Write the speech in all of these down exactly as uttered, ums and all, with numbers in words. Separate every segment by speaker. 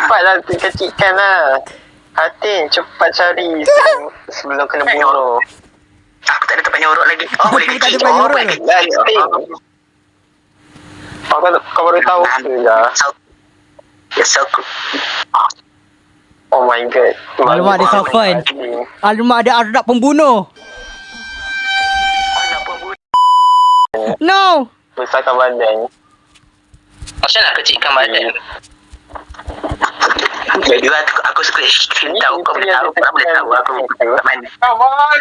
Speaker 1: Cepatlah kecilkan lah. Hati, cepat cari sebelum kena bunuh.
Speaker 2: Aku tak ada tempat nyorok lagi. Oh, boleh
Speaker 3: Aku tak ada
Speaker 2: kecil.
Speaker 3: tempat
Speaker 2: Oh,
Speaker 3: nyorok
Speaker 2: boleh
Speaker 3: ke?
Speaker 2: kecil.
Speaker 1: Kau, kau baru tahu ke lah.
Speaker 2: Yes, aku.
Speaker 1: Oh my god.
Speaker 3: Alamak, ada Safwan. Alamak, ada Arab pembunuh. No.
Speaker 1: Besarkan badan.
Speaker 2: Macam nak kecilkan badan? Jadi aku, aku suka screen tahu. Kau boleh tahu. Kau boleh tahu aku kat mana.
Speaker 1: Come on.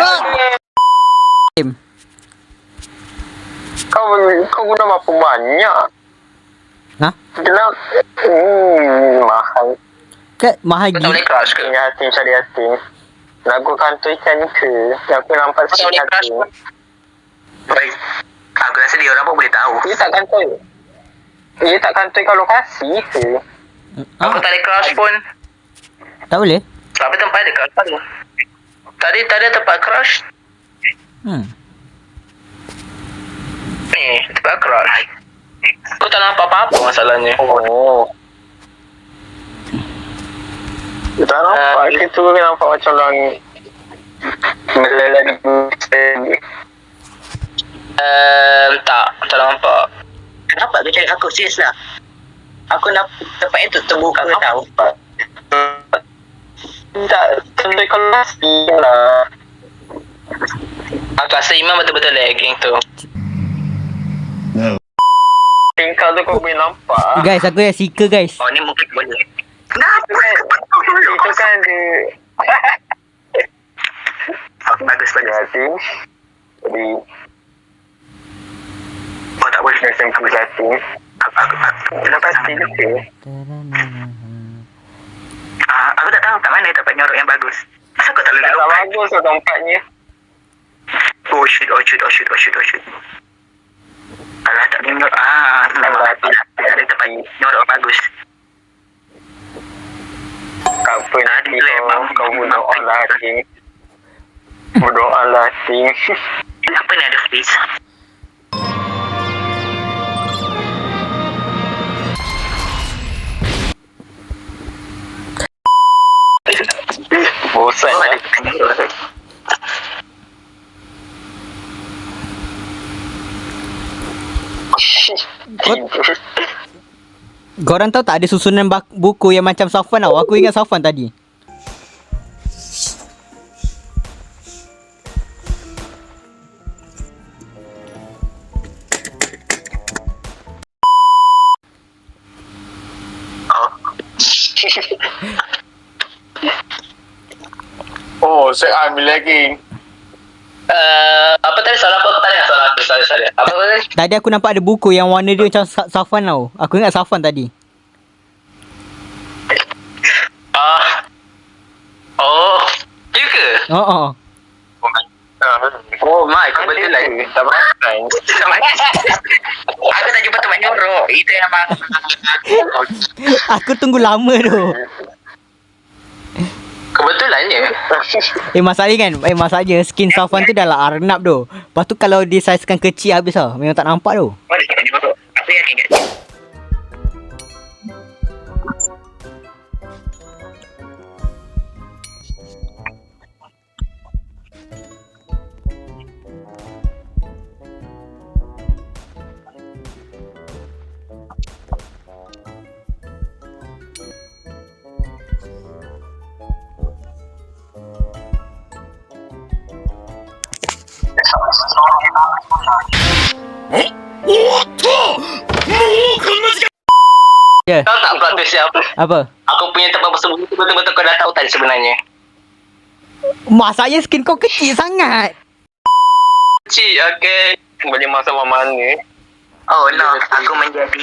Speaker 1: Kau kau guna berapa banyak?
Speaker 3: Ha?
Speaker 1: Kenapa? Hmm, mahal.
Speaker 3: Kat mahal
Speaker 2: Kau tak boleh
Speaker 3: gila.
Speaker 2: crush ke?
Speaker 1: Ini hati cari hati. Lagu kantor ikan ke? Aku nampak
Speaker 2: Kau tak
Speaker 1: sikit
Speaker 2: boleh crush
Speaker 1: hati.
Speaker 2: pun? Baik. Aku rasa dia orang pun boleh tahu.
Speaker 1: Dia tak kantor. Dia tak kantor kat lokasi ke?
Speaker 2: Aku
Speaker 3: Ah,
Speaker 2: tak ada crush pun.
Speaker 3: tak boleh?
Speaker 2: Tapi tempat ada crush tadi. Tadi tak ada tempat crush.
Speaker 3: Hmm.
Speaker 2: Ni, tempat crush. Aku tak nampak apa-apa masalahnya.
Speaker 1: Oh. Dia tak nampak.
Speaker 2: Ah,
Speaker 1: Kita uh, nampak macam orang melelari sendiri.
Speaker 2: Um, tak, tak nampak. Kenapa kau cari aku? Serius lah. Aku nak tempat itu terbuka kau tahu.
Speaker 1: Tak, kantor kat lokasi lah.
Speaker 2: Aku rasa Iman betul-betul lagging tu.
Speaker 1: Tingkap tu kau boleh nampak.
Speaker 3: Guys, aku dah seeker guys.
Speaker 2: Oh, ni mungkin boleh. Kenapa?
Speaker 1: Itu kan dia.
Speaker 2: Oh, bagus, bagus.
Speaker 1: Hati. Jadi,
Speaker 2: Oh, tak boleh.
Speaker 1: macam aku hati.
Speaker 2: Aku, aku, aku.
Speaker 1: Kenapa pasti dia ke?
Speaker 2: Ah, aku tak tahu kat mana tempat nyorok yang bagus. Kenapa kau tak boleh
Speaker 1: Tak
Speaker 2: lompat?
Speaker 1: bagus tu tempatnya.
Speaker 2: Oh shoot, oh shoot, oh shoot, oh shoot, oh shoot. Alah, tak boleh nyorok. Ah, memang hati lah. Ada tempat nyorok bagus.
Speaker 1: Tak apa nanti
Speaker 2: Aduh,
Speaker 1: kau,
Speaker 2: memang-
Speaker 1: kau
Speaker 2: memang
Speaker 1: berdoa lah
Speaker 2: baik.
Speaker 1: hati. Berdoa lah hati.
Speaker 2: Kenapa ni ada face?
Speaker 1: Bosan
Speaker 2: Oh,
Speaker 1: lah.
Speaker 2: ada tempat nyorok.
Speaker 1: Tidur.
Speaker 3: Korang tahu tak ada susunan bak- buku yang macam Safwan tau. Aku ingat Safwan tadi.
Speaker 1: Oh, saya ambil lagi.
Speaker 2: Uh, apa tadi soalan apa? Aku tak dengar soalan aku. Sorry, sorry. Apa tadi?
Speaker 3: Tadi aku nampak ada buku yang warna dia macam Sa- Safwan tau. Aku ingat Safwan tadi.
Speaker 2: Ah. Oh. Ya ke?
Speaker 3: Oh, oh.
Speaker 2: Oh my, kau betul lah.
Speaker 1: Tak perasan.
Speaker 2: Aku tak jumpa tempat nyorok. Itu yang memang.
Speaker 3: Aku tunggu lama tu.
Speaker 2: Kebetulannya.
Speaker 3: Eh masalahnya kan, eh masalahnya skin Safwan tu dah lah Arnab tu. Lepas tu kalau dia saizekan kecil habis lah. Memang tak nampak tu.
Speaker 2: Mana tempat nyorok? Aku yakin kat dia.
Speaker 3: Ya. Yeah.
Speaker 2: Kau tak plot twist siapa?
Speaker 3: Apa?
Speaker 2: Aku punya tempat bersembunyi tu betul-betul kau dah tahu tadi sebenarnya.
Speaker 3: Masalahnya skin kau kecil sangat.
Speaker 2: Cik, okay.
Speaker 1: Boleh masuk mana-mana.
Speaker 2: Oh no, aku menjadi.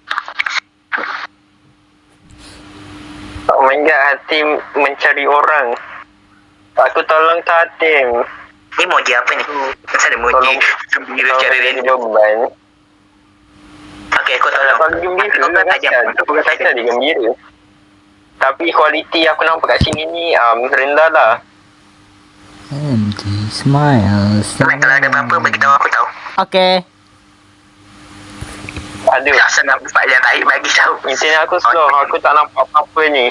Speaker 1: Oh my god, Hatim mencari orang. Aku tolong tu Hatim.
Speaker 2: Ni emoji apa ni? Kenapa ada emoji?
Speaker 1: Tolong.
Speaker 2: Gembira cara
Speaker 1: Tolong jadi
Speaker 2: random.
Speaker 1: beban.
Speaker 2: Okay, kau tolong.
Speaker 1: Kalau gembira
Speaker 2: Kau
Speaker 1: kan
Speaker 2: tajam.
Speaker 1: Aku kata dia gembira. Tapi kualiti aku nampak kat sini ni um, rendah lah.
Speaker 3: Empty smile.
Speaker 2: Kalau ada apa-apa, beritahu aku tahu.
Speaker 3: Okay.
Speaker 1: Ada.
Speaker 2: Tak senang buat yang tarik bagi tahu.
Speaker 1: Internet aku slow. Aku tak nampak apa-apa ni.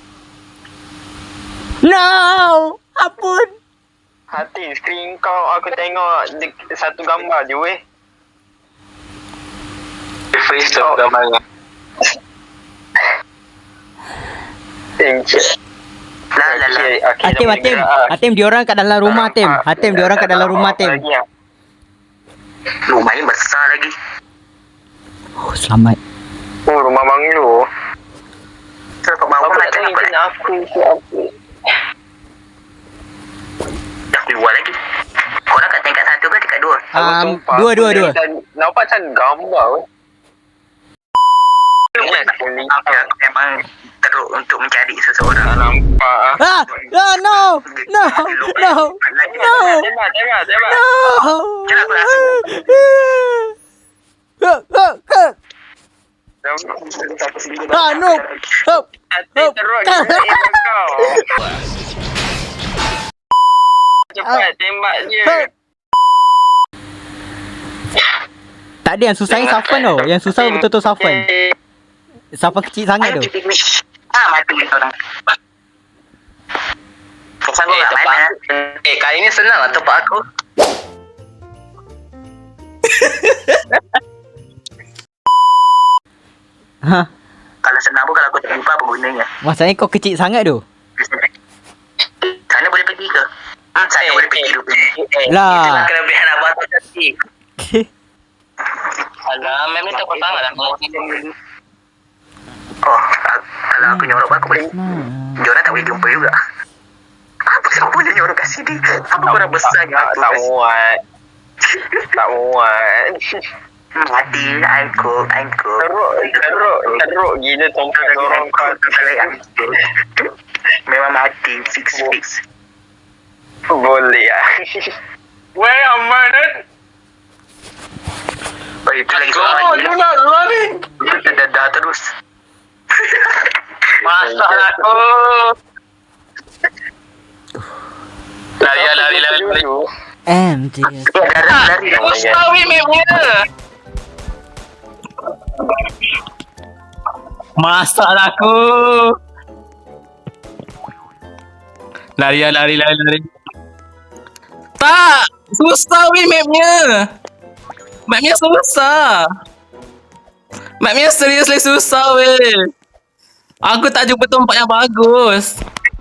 Speaker 3: No! Ampun!
Speaker 1: Hati, screen kau aku tengok de- satu gambar je weh.
Speaker 2: Face tu gambar.
Speaker 1: Thank you.
Speaker 2: Lah lah lah.
Speaker 3: Hatim, Hatim. Hatim, diorang kat dalam rumah, Hatim. Hatim, diorang kat dalam rumah, Hatim.
Speaker 2: Rumah ni besar lagi.
Speaker 3: Oh, selamat.
Speaker 1: Oh, rumah banglo.
Speaker 2: So, kat bawah
Speaker 1: Apa tak
Speaker 2: macam
Speaker 1: tahu
Speaker 2: apa?
Speaker 1: internet aku siapa.
Speaker 2: Dah keluar lagi. Korang kat tingkat satu ke tingkat dua?
Speaker 1: Aku
Speaker 3: Um,
Speaker 1: sumpah,
Speaker 3: dua,
Speaker 1: aku
Speaker 3: dua,
Speaker 1: dari
Speaker 3: dua.
Speaker 1: tadi nampak macam gambar weh.
Speaker 2: Aku memang teruk untuk mencari seseorang.
Speaker 1: Tak nampak ah.
Speaker 3: Ah! Ah, no! No! No! No!
Speaker 1: Tembak, tembak, tembak.
Speaker 3: No!
Speaker 2: Jangan aku rasa.
Speaker 3: Ah, ah, ah. Ah, no! Help!
Speaker 1: Hati teruk gila email kau. Cepat tembak je.
Speaker 3: Help! Tak ada yang susah yang Safwan tau. Yang susah betul-betul Safwan. Safwan kecil sangat tu.
Speaker 2: Ah, mati orang. Kesan
Speaker 1: Eh,
Speaker 2: kat
Speaker 1: tempat
Speaker 2: mana?
Speaker 1: aku. Eh, kali ni senang lah tempat aku.
Speaker 3: Ha,
Speaker 2: Kalau senang pun kalau aku tak lupa apa gunanya.
Speaker 3: masalahnya kau kecil sangat tu.
Speaker 2: Sana boleh pergi ke? Hmm, sana
Speaker 1: Eh,
Speaker 2: boleh pergi
Speaker 1: eh,
Speaker 2: dulu.
Speaker 1: eh,
Speaker 3: Lah.
Speaker 2: Itulah kelebihan abang tu tadi. Alah, mem ni tak apa sangat lah. Oh, kalau aku nyorok aku boleh. Diorang tak boleh jumpa juga. Apa yang boleh nyorok kat sini? Apa korang besar
Speaker 1: tak, tak muat. Tak muat.
Speaker 2: Hmm, hati, I cook, I cook.
Speaker 1: Teruk, teruk, teruk gila tempat orang kau.
Speaker 2: Memang mati, fix, fix.
Speaker 1: Boleh ah. Where am I then?
Speaker 2: Oh, itu lagi
Speaker 1: Oh,
Speaker 2: seorang
Speaker 1: you
Speaker 2: lagi.
Speaker 1: not running.
Speaker 2: Kita dadah terus.
Speaker 1: Masak aku. Lari, lari, lari, lari.
Speaker 3: M J S.
Speaker 2: Eh, lari, lari.
Speaker 1: Mustawi memangnya.
Speaker 4: Masak lah aku. Lari lah, lari, lari, lari. Tak! Susah weh mapnya. Mapnya susah. Mapnya seriously susah weh. Aku tak jumpa tempat yang bagus.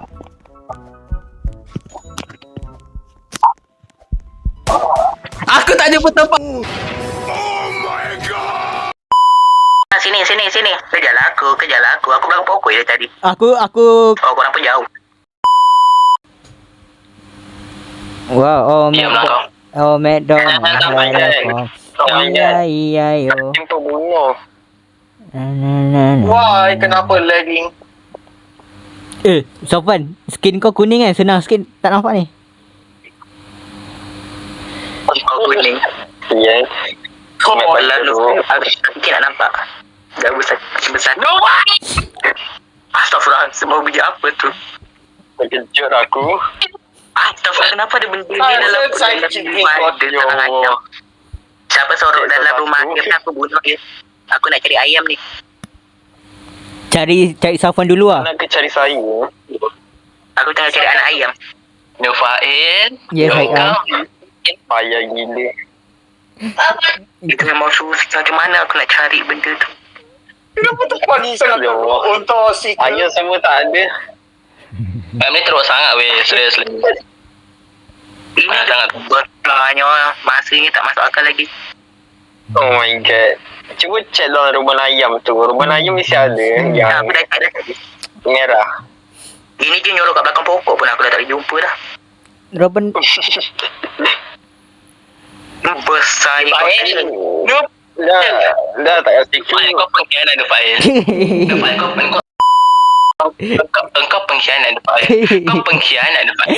Speaker 4: Aku tak jumpa tempat.
Speaker 2: Ah, sini, sini, sini. Kejarlah aku, kejarlah aku. Aku belakang pokok je tadi.
Speaker 3: Aku aku
Speaker 2: Oh, korang pun jauh.
Speaker 3: wow, oh
Speaker 1: Diam lah
Speaker 3: McDonald. Oh McDonald.
Speaker 1: Tak payah.
Speaker 3: Oh iya iya yo.
Speaker 1: Tempat bunga.
Speaker 3: Na, na, na, na.
Speaker 1: Why, kenapa lagging?
Speaker 3: Eh, Safwan, skin kau kuning kan? Senang skin tak nampak ni.
Speaker 2: Oh, kuning.
Speaker 1: Ya.
Speaker 2: Oh, lalu. Aku mungkin nak nampak. Dah besar, besar. No! Astaghfirullah, semua biji apa tu?
Speaker 1: Terkejut aku.
Speaker 2: Astaghfirullah, kenapa ada benda ni
Speaker 1: Ah,
Speaker 2: dalam
Speaker 1: saya
Speaker 2: dalam
Speaker 1: cik
Speaker 2: rumah
Speaker 1: kau,
Speaker 2: dia
Speaker 1: ya
Speaker 2: tangan
Speaker 1: Allah.
Speaker 2: ayam? Siapa sorok
Speaker 1: Cik
Speaker 2: dalam
Speaker 1: kau
Speaker 2: rumah
Speaker 1: satu.
Speaker 2: dia, aku bunuh dia. Aku nak cari ayam ni.
Speaker 3: Cari cari Safwan dulu ah.
Speaker 1: Nak ke cari saya?
Speaker 2: Aku tengah cari anak ayam.
Speaker 1: Nufail.
Speaker 3: Ya, baik, ah.
Speaker 1: Payah gila.
Speaker 2: Itu memang susah. Macam mana aku nak cari benda tu?
Speaker 1: Kenapa tu pagi sangat teruk untuk si ayah semua tak ada.
Speaker 4: Map ni teruk sangat weh, seriously.
Speaker 2: Ini sangat berkelanya. Masa ni tak masuk akal lagi.
Speaker 1: Oh my god. Cuba check dalam rumah ayam tu. Rumah ayam mesti ada
Speaker 2: Ya,
Speaker 1: yang
Speaker 2: aku dah tak ada tadi.
Speaker 1: merah.
Speaker 2: Ini je nyorok kat belakang pokok pun aku dah tak boleh jumpa dah.
Speaker 3: Robin
Speaker 2: Besar ni kau tadi.
Speaker 1: Nope. Dah, dah tak kasi
Speaker 4: Fail, kau pengkhianat dia Fail. Fail, kau peng- Engkau, engkau pengkhianat dia Fail. Kau pengkhianat dia Fail.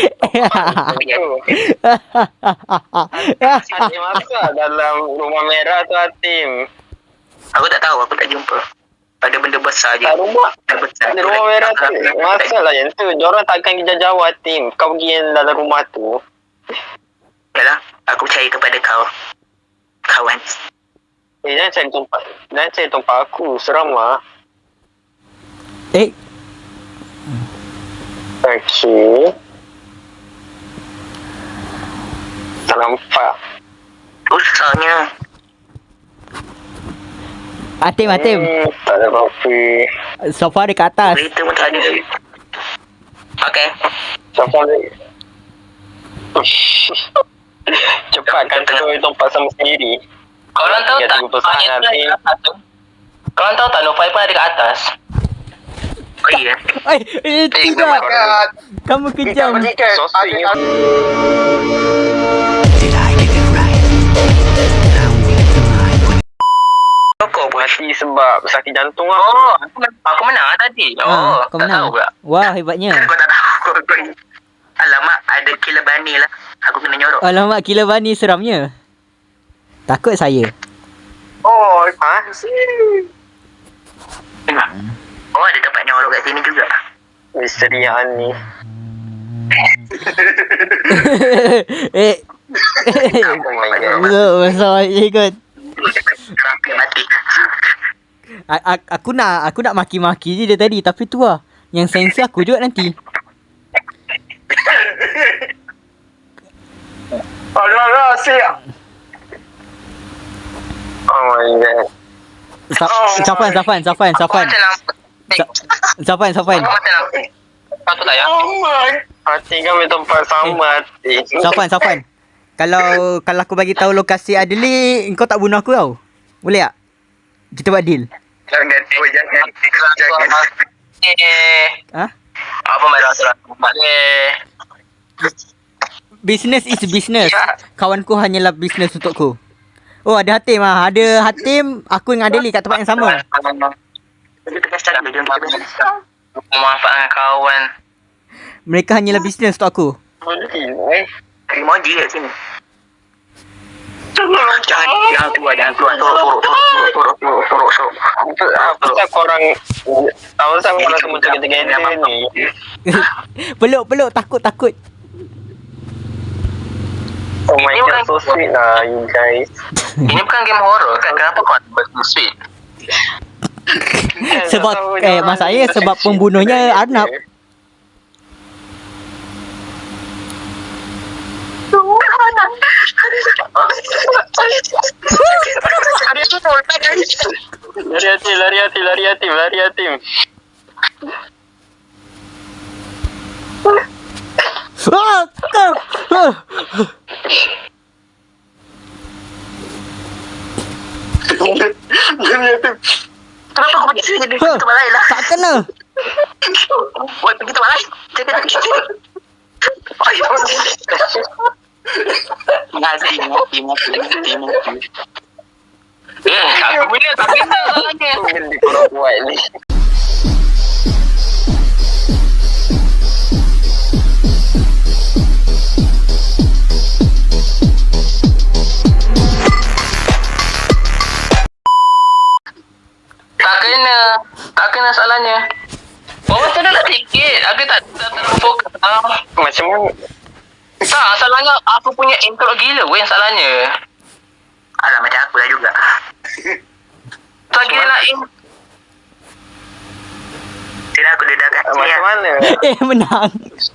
Speaker 1: Hatim masak dalam rumah merah tu Hatim.
Speaker 2: Aku tak tahu, aku tak jumpa. Ada benda besar je.
Speaker 1: Tak rumah.
Speaker 2: Benda besar.
Speaker 1: Ada rumah merah tu. Masalah yang tu. Diorang takkan kerja jauh Hatim. Kau pergi yang dalam rumah tu.
Speaker 2: Yalah, aku percaya kepada kau. Kawan.
Speaker 1: Eh, jangan cari tempat. Jangan cari tempat aku. Seram lah.
Speaker 3: Eh,
Speaker 1: Okay. Tak nampak.
Speaker 2: Susahnya.
Speaker 3: Atim, Atim.
Speaker 1: Hmm, tak ada apa-apa.
Speaker 3: Sofa dia kat atas.
Speaker 2: Kereta pun tak ada. Okay.
Speaker 1: Siapa lagi? Cepat kan tu tempat sama sendiri.
Speaker 4: Korang tahu
Speaker 1: Tiga
Speaker 4: tak?
Speaker 1: tiga persen
Speaker 4: Mayat tu
Speaker 1: nanti.
Speaker 4: ada kat atas tu. Korang tahu tak Nufai pun ada kat atas?
Speaker 2: Oh iya.
Speaker 3: Eh, eh, tidak. Kamu kejam.
Speaker 1: Sosnya.
Speaker 2: Rokok buat.
Speaker 1: Mati sebab sakit jantung lah.
Speaker 4: Oh, aku, men- aku menang lah tadi. Oh,
Speaker 3: Ah, kau
Speaker 4: tak
Speaker 3: menang.
Speaker 4: tahu pula.
Speaker 3: Wah, hebatnya.
Speaker 2: Kau tak tahu. Kau- kau- Alamak, ada killer bunny lah. Aku kena nyorok.
Speaker 3: Alamak, killer bunny seramnya. Takut saya.
Speaker 1: Oh, ha?
Speaker 2: Oh, ada tempat nyorok kat sini juga.
Speaker 1: Misterian ni.
Speaker 3: eh.
Speaker 1: Oh my god.
Speaker 3: Besar ikut.
Speaker 2: Kerangka mati.
Speaker 3: A- a- aku nak aku nak maki-maki je dia tadi, tapi tu lah yang sensi aku juga nanti.
Speaker 1: Alah, alah, siap. Oh my god.
Speaker 3: Sa- Safan, Safan, Safan,
Speaker 4: Aku
Speaker 3: Safan.
Speaker 4: macam nampak.
Speaker 3: Sa- Safan, Safan.
Speaker 4: Aku macam nampak. Patut tak ya?
Speaker 1: Oh my. Hati kami tempat sama hati.
Speaker 3: Safan, Safan. Kalau kalau aku bagi tahu lokasi Adli, kau tak bunuh aku tau. Boleh tak? Kita buat deal.
Speaker 2: Jangan, oh, jangan. Jangan.
Speaker 4: Eh,
Speaker 3: Ha?
Speaker 4: apa merah surat? Eh,
Speaker 3: Business is business. Kawanku hanyalah business untukku. Oh, ada Hatim ah. Ada Hatim, aku dengan Adli kat tempat yang sama.
Speaker 2: Dia tegas cakap dia jom kita.
Speaker 4: memanfaatkan kawan.
Speaker 3: Mereka hanyalah business untuk aku.
Speaker 1: Eh.
Speaker 2: Emoji kat sini. Jangan, jangan keluar, jangan keluar. Torok, torok, torok, torok, torok, torok, torok.
Speaker 1: Apa pasal korang apa pasal korang semua together ni?
Speaker 3: peluk, peluk, takut, takut.
Speaker 1: Oh my god, so sweet lah you guys.
Speaker 4: Ini bukan game horror kan? Kenapa kau buat sweet?
Speaker 3: Sebab eh masalahnya sebab pembunuhnya Arnab.
Speaker 1: Lari hati, lari hati, lari hati, lari hati.
Speaker 3: Ah, ah, ah.
Speaker 2: Kenapa kau pergi sini? Jadi
Speaker 3: Huh,
Speaker 2: tempat lain lah.
Speaker 3: tak kena.
Speaker 2: Buat pergi tempat lain. Jangan pergi sini.
Speaker 4: Mati, mati, mati, mati, mati. Eh, aku punya tak kena salahnya.
Speaker 1: Benda korang buat ni.
Speaker 4: Tak kena. Tak kena salahnya. Oh, macam mana sikit? Aku tak tak terfokus. Ah,
Speaker 1: Macam mana?
Speaker 4: tak, salahnya aku punya intro gila weh salahnya.
Speaker 2: Alah, macam aku lah juga.
Speaker 4: Lagi lain.
Speaker 2: Sini aku dedah kat sini.
Speaker 1: Macam mana?
Speaker 3: Eh, menang.